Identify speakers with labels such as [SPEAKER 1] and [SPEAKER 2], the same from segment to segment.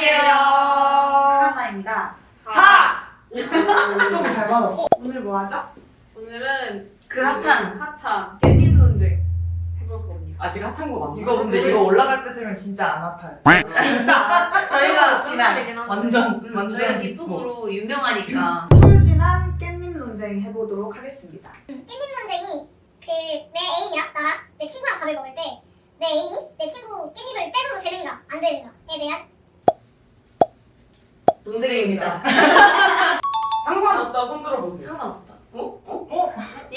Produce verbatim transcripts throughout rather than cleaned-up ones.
[SPEAKER 1] 안녕하세요.
[SPEAKER 2] 하나입니다.
[SPEAKER 1] 하!
[SPEAKER 2] 좀 잘 받았어. 오늘 뭐 하죠?
[SPEAKER 1] 오늘은
[SPEAKER 3] 그 핫한
[SPEAKER 1] 핫한 깻잎 논쟁 해볼 겁니다.
[SPEAKER 4] 아직 핫한 거 맞나?
[SPEAKER 5] 이거 근데
[SPEAKER 1] 네.
[SPEAKER 5] 이거 올라갈 때쯤엔 진짜 안 아파요.
[SPEAKER 2] 진짜
[SPEAKER 3] 저희가
[SPEAKER 2] 지난
[SPEAKER 1] 되긴 한데.
[SPEAKER 5] 완전
[SPEAKER 3] 음,
[SPEAKER 5] 완전
[SPEAKER 3] 저희가
[SPEAKER 5] 뒷북.
[SPEAKER 3] 뒷북으로 유명하니까
[SPEAKER 2] 철진한 깻잎 논쟁 해보도록 하겠습니다.
[SPEAKER 6] 깻잎 논쟁이 그 내 애인이랑 나랑 내 친구랑 밥을 먹을 때 내 애인이 내 친구 깻잎을 떼줘도 되는가 안 되는가에 대한
[SPEAKER 2] 논쟁입니다.
[SPEAKER 4] 상관없다 손 들어보세요.
[SPEAKER 3] 상관없다. 어?
[SPEAKER 4] 어?
[SPEAKER 5] 어?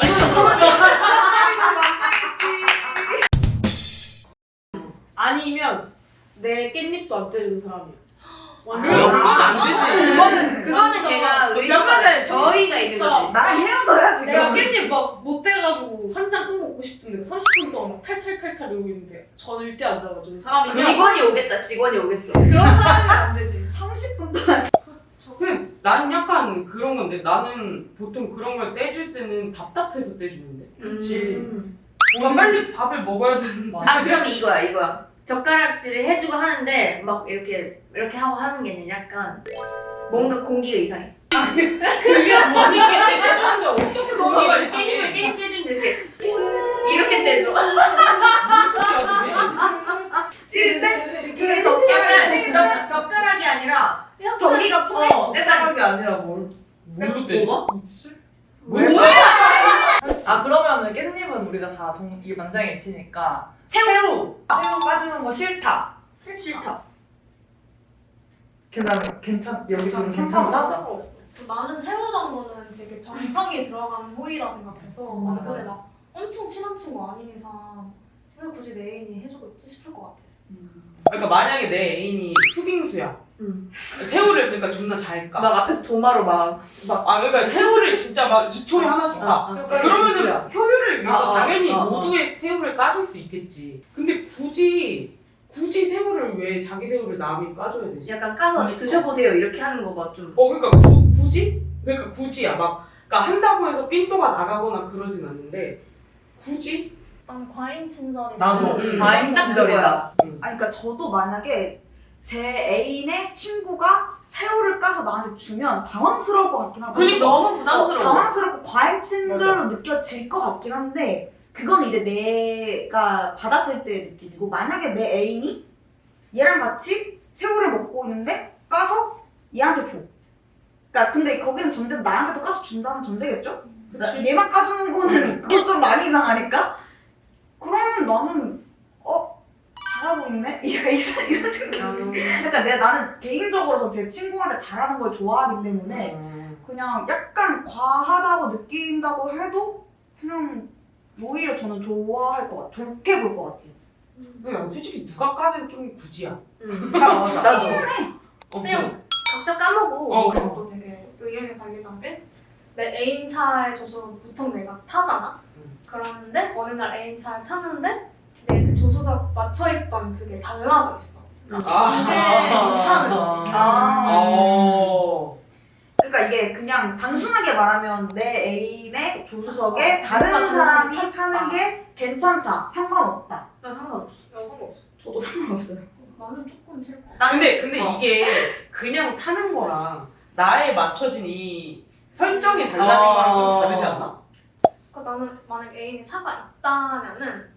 [SPEAKER 1] 아니면 내 깻잎도 안 때리는 사람이야.
[SPEAKER 4] 그건 안 되지.
[SPEAKER 2] 그거는
[SPEAKER 3] 그거는
[SPEAKER 1] 진짜
[SPEAKER 3] 제가
[SPEAKER 1] 몇
[SPEAKER 3] 의도가
[SPEAKER 1] 가지
[SPEAKER 3] 저희가 있는
[SPEAKER 1] 진짜.
[SPEAKER 3] 거지.
[SPEAKER 2] 나랑 헤어져야지.
[SPEAKER 1] 내가
[SPEAKER 2] 그러면.
[SPEAKER 1] 깻잎 막 못해가지고 한 장 꼭 먹고 싶은데 삼십 분 동안 막 탈탈탈탈 이러고 있는데 전을 때 앉아가지고 사람이 그냥
[SPEAKER 3] 직원이 오겠다. 직원이 오겠어.
[SPEAKER 1] 그런 사람이면 안 되지.
[SPEAKER 2] 삼십 분 동안
[SPEAKER 4] 근데 난 약간 그런 건데 나는 보통 그런 걸 떼줄 때는 답답해서 떼주는데.
[SPEAKER 2] 그치.
[SPEAKER 3] 음.
[SPEAKER 4] 뭔가 빨리 밥을 먹어야 되는 거
[SPEAKER 3] 아
[SPEAKER 4] 아니야?
[SPEAKER 3] 그럼 이거야 이거야. 젓가락질을 해주고 하는데 막 이렇게 이렇게 하고 하는 게 아니라 약간 뭔가 공기가 이상해.
[SPEAKER 4] 그게 뭐니 깻잎 떼주는데 어떻게
[SPEAKER 3] 뭔가
[SPEAKER 4] 공기가
[SPEAKER 3] 깻잎을
[SPEAKER 4] 이상해?
[SPEAKER 3] 깻잎 떼주는데 이렇게 이렇게 떼줘.
[SPEAKER 2] 근데 그
[SPEAKER 3] 약간
[SPEAKER 2] 젓가락이
[SPEAKER 3] 젓- 젓가락이 아니라 약간
[SPEAKER 2] 저기가 통해.
[SPEAKER 3] 어, 약간
[SPEAKER 5] 젓가락이 아니라 뭘?
[SPEAKER 4] 뭘로 떼줘?
[SPEAKER 3] 뭐가?
[SPEAKER 4] 뭘
[SPEAKER 5] 아 그러면은 깻잎은 우리가 다 동, 이게 만장일치니까
[SPEAKER 3] 새우
[SPEAKER 5] 새우! 새우 까주는 거 싫다.
[SPEAKER 3] 싫다.
[SPEAKER 5] 괜찮 괜찮 여기서
[SPEAKER 2] 괜찮다.
[SPEAKER 5] 괜찮다.
[SPEAKER 7] 나는 새우 정도는 되게 정성이 들어가는 호의라 생각해서
[SPEAKER 5] 음,
[SPEAKER 7] 근데
[SPEAKER 5] 맞아.
[SPEAKER 7] 막 엄청 친한 친구 아닌 이상 왜 굳이 내 애인이 해주고 있지 싶을 것 같아.
[SPEAKER 4] 그러니까 만약에 내 애인이 수빙수야.
[SPEAKER 3] 음.
[SPEAKER 4] 새우를 그러니까 존나 잘 까.
[SPEAKER 3] 막 앞에서 도마로 막
[SPEAKER 4] 아 그러니까 새우를 진짜 막 이 초에 하나씩 까.
[SPEAKER 3] 아, 아.
[SPEAKER 4] 그러면은 효율을 위해서
[SPEAKER 3] 아, 아,
[SPEAKER 4] 당연히
[SPEAKER 3] 아, 아.
[SPEAKER 4] 모두의 새우를 까줄 수 있겠지. 근데 굳이 굳이 새우를 왜 자기 새우를 남이 까줘야 되지?
[SPEAKER 3] 약간 까서
[SPEAKER 4] 그러니까.
[SPEAKER 3] 드셔보세요 이렇게 하는 거가 좀.
[SPEAKER 4] 어 그러니까 구, 굳이? 그러니까 굳이야 막 그러니까 한다고 해서 삔또가 나가거나 그러진 않는데 굳이?
[SPEAKER 7] 난 과잉 친절이
[SPEAKER 5] 나도
[SPEAKER 3] 음, 음.
[SPEAKER 5] 과잉
[SPEAKER 3] 딱
[SPEAKER 5] 친절이다.
[SPEAKER 2] 아니 그러니까 저도 만약에 제 애인의 친구가 새우를 까서 나한테 주면 당황스러울 것 같긴 하고.
[SPEAKER 4] 그러니까.
[SPEAKER 3] 너무 부담스러워.
[SPEAKER 2] 어, 당황스럽고 과잉 친절로 느껴질 것 같긴 한데 그건 이제 내가 받았을 때의 느낌이고 만약에 내 애인이 얘랑 같이 새우를 먹고 있는데 까서 얘한테 줘. 그러니까 근데 거기는 전제 나한테도 까서 준다는 전제겠죠? 나-
[SPEAKER 4] 그치.
[SPEAKER 2] 얘만 까주는 거는 그건 좀 많이 이상하니까? 그러면 나는 어? 잘하고 있네? 약간 이상- 이런 생각이
[SPEAKER 3] 음.
[SPEAKER 2] 그러니까 내, 나는 개인적으로 제 친구한테 잘하는 걸 좋아하기 때문에
[SPEAKER 4] 음.
[SPEAKER 2] 그냥 약간 과하다고 느낀다고 해도 그냥 오히려 저는 좋아할 것 같아요. 좋게 볼 것 같아요.
[SPEAKER 4] 그냥 솔직히 누가 까든 좀 굳이야.
[SPEAKER 3] 음.
[SPEAKER 5] 맞아.
[SPEAKER 3] 나도
[SPEAKER 4] 어,
[SPEAKER 7] 그냥
[SPEAKER 3] 각자 까먹고.
[SPEAKER 4] 어,
[SPEAKER 7] 그것도 되게 의견이 갈리는 게 내 애인 차에 조수 보통 내가 타잖아.
[SPEAKER 4] 음.
[SPEAKER 7] 그러는데 어느 날 애인 차를 타는데 내 그 조수석 맞춰있던 그게 달라져 있어.
[SPEAKER 4] 아.
[SPEAKER 7] 그게 괜찮은지.
[SPEAKER 3] 아.
[SPEAKER 4] 어.
[SPEAKER 2] 그러니까 이게 그냥 단순하게 말하면 내 애인의 조수석에 다른
[SPEAKER 7] 다른
[SPEAKER 2] 사람이
[SPEAKER 7] 사람이
[SPEAKER 2] 타는 게 괜찮다. 상관없다.
[SPEAKER 3] 나 상관없어.
[SPEAKER 1] 야, 상관없어.
[SPEAKER 2] 저도 상관없어요.
[SPEAKER 7] 나는 조금 싫어.
[SPEAKER 3] 나는
[SPEAKER 4] 근데 근데
[SPEAKER 3] 어.
[SPEAKER 4] 이게 그냥 타는 거랑 나에 맞춰진 이 설정이 달라진
[SPEAKER 5] 어.
[SPEAKER 4] 거랑 좀 다르지 않나?
[SPEAKER 7] 그러니까 나는 만약 애인이 차가 있다면은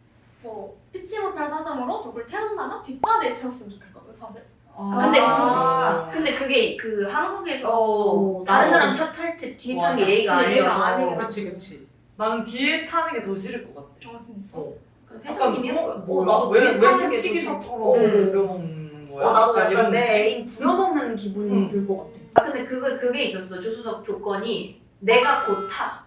[SPEAKER 7] 뭐 피치 못할 사정으로 누굴 태운다면 뒷자리에 태웠으면 좋겠거든 사실.
[SPEAKER 3] 근데-
[SPEAKER 4] 아.
[SPEAKER 3] 근데 그게 그 한국에서
[SPEAKER 2] 어,
[SPEAKER 3] 다른
[SPEAKER 2] 나도.
[SPEAKER 3] 사람 차 탈 때 뒤에 타는 게
[SPEAKER 5] 맞아.
[SPEAKER 3] 예의가
[SPEAKER 7] 그치, 예의가
[SPEAKER 3] 아니어서.
[SPEAKER 7] 아니고.
[SPEAKER 4] 그렇지 그렇지.
[SPEAKER 5] 나는 뒤에 타는 게 더 싫을 것 같아.
[SPEAKER 7] 어 진짜.
[SPEAKER 3] 그럼 회장님이 한 거야.
[SPEAKER 5] 뭐,
[SPEAKER 2] 나도
[SPEAKER 5] 왜,
[SPEAKER 2] 뒤에
[SPEAKER 5] 왜
[SPEAKER 2] 타는 게
[SPEAKER 5] 택시
[SPEAKER 2] 더
[SPEAKER 5] 기사처럼
[SPEAKER 3] 싫어.
[SPEAKER 5] 부려먹는 거야?
[SPEAKER 2] 어, 나도
[SPEAKER 5] 약간
[SPEAKER 2] 약간
[SPEAKER 5] 이런
[SPEAKER 2] 내
[SPEAKER 5] 느낌?
[SPEAKER 2] 애인 부려먹는 기분이
[SPEAKER 5] 응.
[SPEAKER 2] 들 것 같아.
[SPEAKER 3] 아 근데 그거 그게 있었어. 조수석 조건이 내가 곧 타.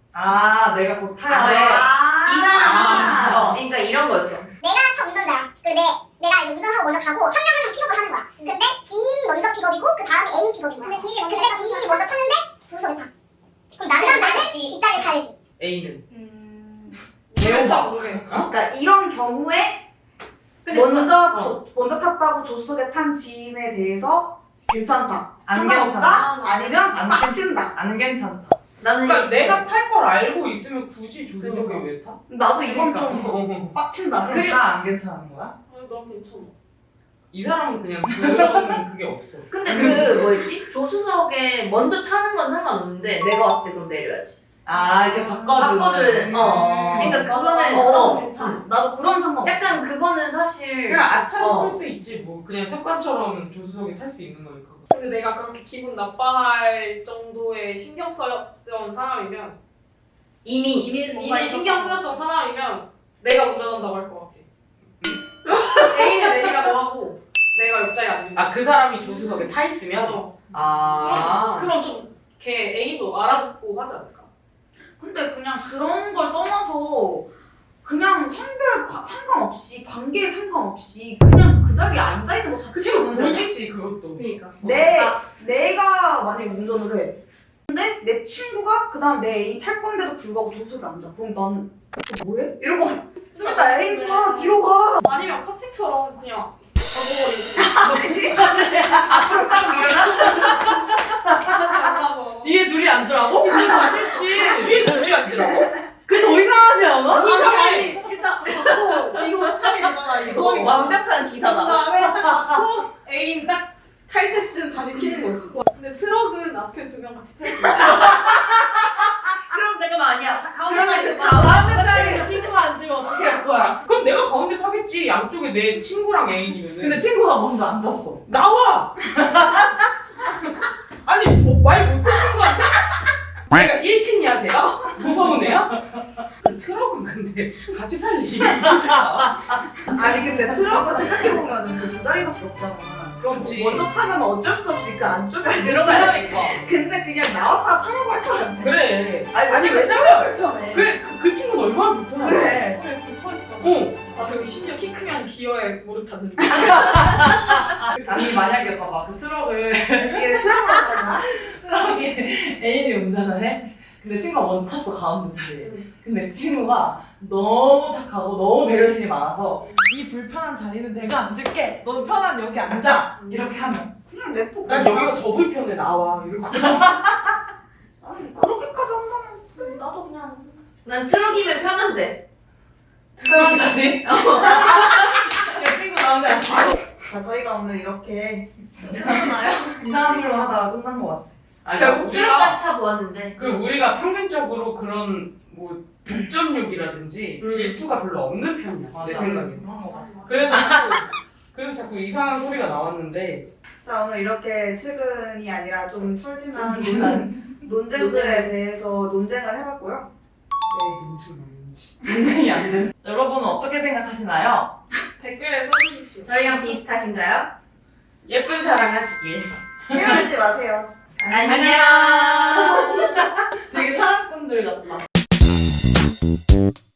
[SPEAKER 5] 아 내가 곧 타야 돼.
[SPEAKER 3] 이 사람이
[SPEAKER 2] 아.
[SPEAKER 3] 어 그러니까 이런 거였어.
[SPEAKER 6] 내가 차 운전자야. 그리고 내, 내가 이제 운전하고 먼저 가고 한 명 한 명 픽업을 하는 거야. 근데 지인이 먼저 픽업이고 그 다음에 애인 픽업인 거야. 근데 지인이, 근데 지인이 먼저 탔는데 조수석에 타. 그럼 나는 나는 뒷자리를 타야지.
[SPEAKER 4] A는
[SPEAKER 7] 음.
[SPEAKER 5] 개오바.
[SPEAKER 1] 모르겠네.
[SPEAKER 2] 그러니까 이런 경우에
[SPEAKER 3] 근데
[SPEAKER 2] 먼저
[SPEAKER 3] 그거-
[SPEAKER 2] 조- 먼저 탔다고 조수석에 탄 지인에 대해서 괜찮다.
[SPEAKER 5] 안
[SPEAKER 2] 상관없다?
[SPEAKER 7] 괜찮아.
[SPEAKER 2] 아니면
[SPEAKER 5] 안
[SPEAKER 2] 빡친다.
[SPEAKER 5] 안 괜찮다.
[SPEAKER 3] 나는
[SPEAKER 4] 그러니까
[SPEAKER 3] 이-
[SPEAKER 4] 내가 탈 걸 알고 있으면 굳이 조수석에
[SPEAKER 3] 그러니까.
[SPEAKER 4] 왜 타?
[SPEAKER 2] 나도 이건 좀
[SPEAKER 4] 어.
[SPEAKER 2] 빡친다.
[SPEAKER 5] 그럼 다 안 괜찮은 거야?
[SPEAKER 1] 아니, 난 괜찮아.
[SPEAKER 4] 이 사람은 그냥 그런 그게 없어.
[SPEAKER 3] 근데 그 뭐였지? 조수석에 먼저 타는 건 상관없는데 내가 왔을 때 그럼 내려야지.
[SPEAKER 5] 아 이렇게 바꿔주는.
[SPEAKER 3] 바꿔줘야 돼. 어. 그러니까 그거는
[SPEAKER 2] 어,
[SPEAKER 3] 어,
[SPEAKER 2] 괜찮아. 나도 그런 상관.
[SPEAKER 3] 약간 그거는 사실
[SPEAKER 4] 그냥 아차
[SPEAKER 3] 어.
[SPEAKER 4] 싶을 수 있지 뭐. 그냥 습관처럼 조수석에 탈 수 있는 거니까.
[SPEAKER 1] 근데 내가 그렇게 기분 나빠할 정도의 신경 쓰였던 사람이면
[SPEAKER 3] 이미
[SPEAKER 1] 이미
[SPEAKER 7] 뭔가
[SPEAKER 1] 이미 신경
[SPEAKER 7] 있었던
[SPEAKER 1] 쓰였던 사람이면 내가 운전한다고 할 것 같아. 애인을 내리라고 하고 내가 옆자리에 앉는
[SPEAKER 4] 아 그 사람이 조수석에 타 있으면.
[SPEAKER 1] 어.
[SPEAKER 4] 아.
[SPEAKER 1] 그럼 좀 걔 애인도 알아듣고 하지 않을까?
[SPEAKER 2] 근데 그냥 그런 걸 떠나서 그냥 성별 과- 상관없이 관계에 상관없이 그냥 그 자리에 앉아 있는 거
[SPEAKER 4] 그치
[SPEAKER 2] 자체가 문제야.
[SPEAKER 4] 굳이지 그것도.
[SPEAKER 3] 그러니까
[SPEAKER 2] 내
[SPEAKER 3] 아,
[SPEAKER 2] 내가 만약에 운전을 해. 근데 내 친구가 그다음 내 애인 탈 건데도 불구하고 조수석에 앉아. 그럼 나는 저 뭐해? 이러고 좀 이따 애인 타 뒤로 가.
[SPEAKER 1] 아니면 카페처럼 그냥 가버리고
[SPEAKER 3] 앞으로 딱 밀어놔?
[SPEAKER 1] 하지 말라고.
[SPEAKER 5] 뒤에 둘이 앉으라고?
[SPEAKER 1] 뒤에 더 싫지.
[SPEAKER 4] 뒤에 둘이 앉으라고?
[SPEAKER 5] 그게 더 이상하지 않아?
[SPEAKER 1] 아니 아니 일단 갖고 뒤로 타게 되잖아. 이거
[SPEAKER 3] 어, 완벽한
[SPEAKER 1] 그
[SPEAKER 3] 기사다.
[SPEAKER 1] 다음에 딱 갖고 애인 딱 탈 때쯤 다시 키는 거지. 근데 트럭은 앞에 두 명 같이 탈 수 있어.
[SPEAKER 3] 그럼 잠깐만 아니야.
[SPEAKER 1] 그러면
[SPEAKER 3] 그러면
[SPEAKER 1] 그
[SPEAKER 3] 그
[SPEAKER 5] 다른
[SPEAKER 3] 가운데
[SPEAKER 5] 자리에 친구가 앉으면 어떻게 할 거야?
[SPEAKER 4] 그럼 내가 가운데 타겠지. 양쪽에 내 친구랑 애인이면은.
[SPEAKER 5] 근데 친구가 먼저 앉았어.
[SPEAKER 4] 나와! 아니 뭐, 말 못해 친구한테? 내가 일 층이야 내가? 무서운 애야? 그 트럭은 근데 같이 탈 일이 있을까?
[SPEAKER 2] 아니 근데 트럭은 생각해보면 그 두 자리밖에 없잖아.
[SPEAKER 4] 그렇지.
[SPEAKER 2] 먼저 타면 어쩔 수 없이 그 안쪽에 앉아.
[SPEAKER 3] 들어가야지.
[SPEAKER 2] 근데 그냥 나왔다 타라고 할 거 같아.
[SPEAKER 4] 그래.
[SPEAKER 2] 아니,
[SPEAKER 4] 아니 왜
[SPEAKER 2] 저래
[SPEAKER 4] 저래?
[SPEAKER 2] 불편해.
[SPEAKER 4] 그래 그, 그 친구는 얼마나 불편하냐?
[SPEAKER 2] 그래.
[SPEAKER 1] 그래 붙어있어.
[SPEAKER 4] 어.
[SPEAKER 1] 나 그리고 심지어 키 크면 기어에 무릎 닿는데.
[SPEAKER 5] 아니 만약에 봐봐 그 트럭을
[SPEAKER 2] 이게 트럭으로 가잖아.
[SPEAKER 5] 트럭이 애인이 운전을 해? 근데 친구가 먼저 탔어 가운데 자리에. 근데 친구가 너무 착하고 너무 배려심이 많아서 이 불편한 자리는 내가 앉을게. 너 편한 여기 앉아. 이렇게 하면
[SPEAKER 2] 그냥 냅둬.
[SPEAKER 4] 난 여기가 더 불편해 나와 이러고.
[SPEAKER 2] 아니 그렇게까지 한다면
[SPEAKER 7] 나도 그냥
[SPEAKER 3] 난 트럭이면 편한데.
[SPEAKER 5] 편한 자리. 내 친구 나온 자리.
[SPEAKER 2] 자 저희가 오늘 이렇게
[SPEAKER 7] 괜찮아요.
[SPEAKER 5] 이상한 일로 하다가 끝난 것 같아.
[SPEAKER 4] 아니,
[SPEAKER 3] 결국
[SPEAKER 4] 우리가
[SPEAKER 3] 트럭까지 타 보았는데.
[SPEAKER 4] 그 우리가 평균적으로 그런 뭐 독점욕이라든지
[SPEAKER 3] 음.
[SPEAKER 4] 질투가 별로 없는 편이야 내 생각에.
[SPEAKER 5] 그런 것 같아.
[SPEAKER 4] 그래서 자꾸, 그래서 자꾸 이상한 소리가 나왔는데.
[SPEAKER 2] 자 오늘 이렇게 최근이 아니라 좀 철진한
[SPEAKER 5] 진한
[SPEAKER 2] 논쟁들에 대해서 논쟁을 해봤고요.
[SPEAKER 4] 네, 눈치 많은지.
[SPEAKER 5] 인생이 안 돼. 여러분은 어떻게 생각하시나요?
[SPEAKER 1] 댓글에 써주십시오.
[SPEAKER 3] 저희랑 비슷하신가요?
[SPEAKER 4] 예쁜 사랑 하시길.
[SPEAKER 2] 헤어지지 마세요.
[SPEAKER 3] 안녕.
[SPEAKER 5] 되게 사랑꾼들 같다.